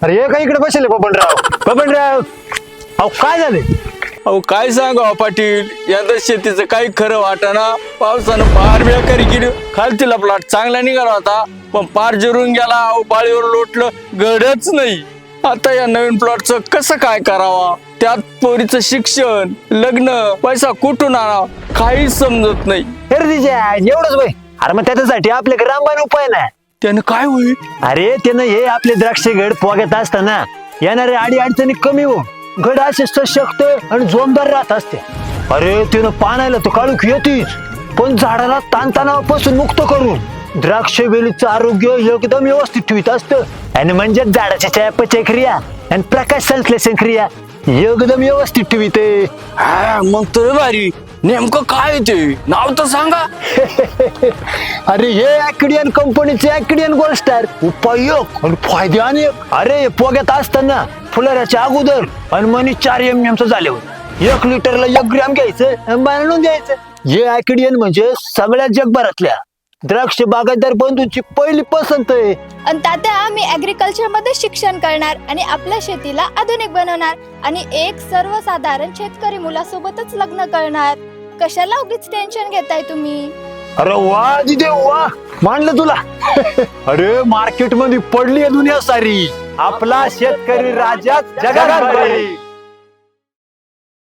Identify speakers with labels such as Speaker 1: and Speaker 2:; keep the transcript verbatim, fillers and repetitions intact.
Speaker 1: अरे हे काय इकडे बसले बबनराव? बबनराव अहो काय झाले?
Speaker 2: अहो काय सांगा पाटील, यंदा शेतीचं काही खरं वाटाना. पावसानं पार बेकारी केली. खालतीला प्लॉट चांगला निघाला होता, पण पार जिरून गेला. अहो पाळीवर लोटलं, घडच नाही. आता या नवीन प्लॉटचं कसं काय करावा? त्यात पोरीचं शिक्षण, लग्न, पैसा कुठून आणावा काहीच समजत नाही.
Speaker 1: अरे तिच्या एवढंच बाई. अरे मग त्याच्यासाठी आपल्याकडे रामबाण उपाय ना.
Speaker 2: त्यानं काय होईल?
Speaker 1: अरे त्यानं हे आपले द्राक्ष घड पोगत असताना येणारे अडी अडचणी कमी हो, घड असे सशक्त आणि जोमदार राहत असते. अरे त्यानं पाण्याला तर काळूक येतेच, पण झाडाला ताणतणावापासून मुक्त करून द्राक्ष वेलीचं आरोग्य एकदम व्यवस्थित ठेवीत असतं. आणि म्हणजे झाडाच्या चयापचय क्रिया आणि प्रकाश संश्लेषण क्रिया एकदम व्यवस्थित ठेवीते.
Speaker 2: हा मग तर भारी. नेमकं काय ते नाव तर सांगा.
Speaker 1: अरे हे ऍक्डियन कंपनीचे ऍक्डियन गोल्ड स्टार. उपयोग आणि फायदे अनेक. अरे पोग्यात असताना फुलाऱ्याच्या अगोदर आणि मनी चार एम एम चं झाल्यावर एक लिटरला एक ग्रॅम घ्यायचं आणि बांधून द्यायचं. हे ऍक्डियन म्हणजे सगळ्या जगभरातल्या द्राक्ष बागायतदार बंधूंची पहिली पसंत आहे.
Speaker 3: आणि तात्या आम्ही ऍग्रिकल्चर मध्ये शिक्षण करणार आणि आपल्या शेतीला आधुनिक बनवणार आणि एक सर्वसाधारण शेतकरी मुलासोबतच लग्न करणार. कशाला उगीच टेन्शन घेताय तुम्ही?
Speaker 1: अरे वा दिदे वा, मानलं तुला. अरे मार्केट मध्ये पडली आहे दुनिया सारी. आपला शेतकरी राजा जगात बरे.